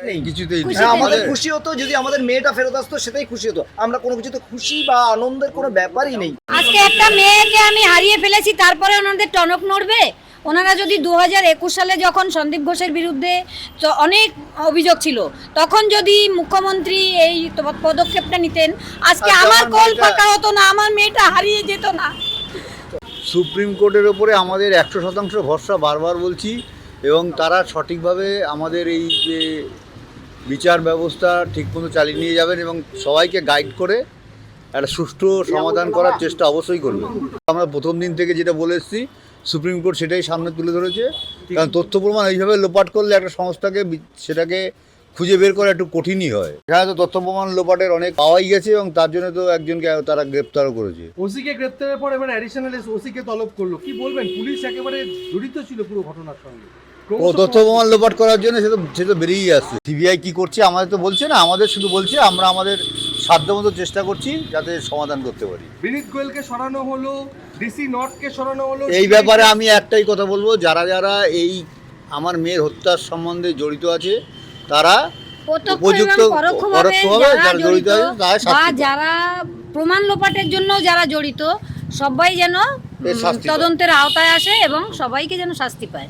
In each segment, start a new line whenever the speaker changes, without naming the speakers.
নেই,
কিছুতেই নেই।
হ্যাঁ, আমাদের খুশি হতো যদি আমাদের মেয়েটা ফেরত আসতো, সেটাই খুশি হতো। আমরা কোনো কিছুতে খুশি বা আনন্দের কোনো ব্যাপারই নেই।
আজকে একটা মেয়েকে আমি হারিয়ে ফেলেছি, তারপরে ওনাদের টনক নড়বে? ওনারা যদি 2021 সালে যখন সন্দীপ ঘোষের বিরুদ্ধে অনেক অভিযোগ ছিল, তখন যদি মুখ্যমন্ত্রী এই পদক্ষেপটা নিতেন, আজকে আমার কোল ফাঁকা হতো না, আমার মেয়েটা হারিয়ে যেত না।
সুপ্রিম কোর্টের ওপরে আমাদের 100% ভরসা বারবার বলছি, এবং তারা সঠিকভাবে আমাদের এই যে বিচার ব্যবস্থা ঠিকমতো চালিয়ে নিয়ে যাবেন এবং সবাইকে গাইড করে একটা সুষ্ঠু সমাধান করার চেষ্টা অবশ্যই করবেন। আমরা প্রথম দিন থেকে যেটা বলে এসেছি, সুপ্রিম কোর্ট সেটাই সামনে তুলে ধরেছে। কারণ তথ্য প্রমাণ এইভাবে লোপাট করলে একটা সংস্থাকে সেটাকে খুঁজে বের করা একটু কঠিনই হয়। এখানে তো তথ্য প্রমাণ লোপাটের অনেক পাওয়াই গেছে, এবং তার জন্য তো একজনকে তারা গ্রেপ্তারও করেছে।
ওসিকে গ্রেপ্তারের পর এবার অ্যাডিশনাল ওসিকে তলব করলো, কি বলবেন? পুলিশ একেবারে জড়িত ছিল পুরো ঘটনার সঙ্গে।
ও তথ্য প্রমাণ লোপাট করার জন্য সে তো বেরিয়েই আসছে। সিবিআই কি করছে আমাদের তো বলছে না, আমাদের শুধু বলছে আমরা আমাদের সাধ্যমতো চেষ্টা করছি যাতে সমাধান করতে পারি।
বিনীত গোয়েলকে সরানো হলো, ডিসি নর্থকে সরানো হলো।
এই ব্যাপারে আমি একটাই কথা বলবো, যারা যারা এই আমার মেয়ের হত্যার সম্বন্ধে জড়িত আছে, তারা উপযুক্ত পরোক্ষভাবে যারা জড়িত আছে তারা শাস্তি পাবে।
যারা প্রমাণ লোপাটের জন্য যারা জড়িত, সবাই যেন তদন্তের আওতায় আসে এবং সবাইকে যেন শাস্তি পায়।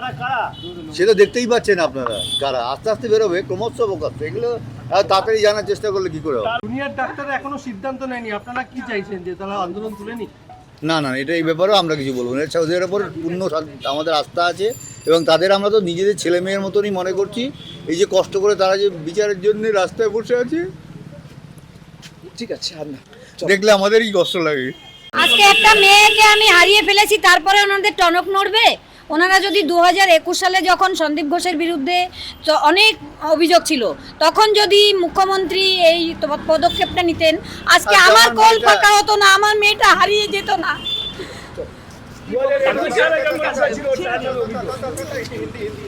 সে তো দেখতেই পাচ্ছেন আপনারা, কারা আস্তে আস্তে বেরোবে, ক্রমশ প্রকাশ। এগুলো তাড়াতাড়ি জানার চেষ্টা করলে কি করে হবে?
জুনিয়র ডাক্তাররা এখনো সিদ্ধান্ত নেয়নি, আপনারা কি চাইছেন যে তারা আন্দোলন তুলে নি?
না না, এটা এই ব্যাপারেও আমরা কিছু বলবো না। ওদের ওপর পূর্ণ আমাদের আস্থা আছে, এবং তাদের আমরা তো নিজেদের ছেলে মেয়ের মতনই মনে করছি। এই যে কষ্ট করে তারা যে বিচারের জন্য রাস্তায় বসে আছে,
ঠিক আছে, আর না।
দেখলে আমাদেরই কষ্ট লাগে।
আজকে একটা মেয়েকে আমি হারিয়ে ফেলেছি, তারপরে ওনাদের টনক নড়বে? ওনারা যদি 2021 সালে যখন সন্দীপ ঘোষের বিরুদ্ধে অনেক অভিযোগ ছিল, তখন যদি মুখ্যমন্ত্রী এই পদক্ষেপটা নিতেন, আজকে আমার কোল ফাঁকা হতো না, আমার মেয়েটা হারিয়ে যেত না।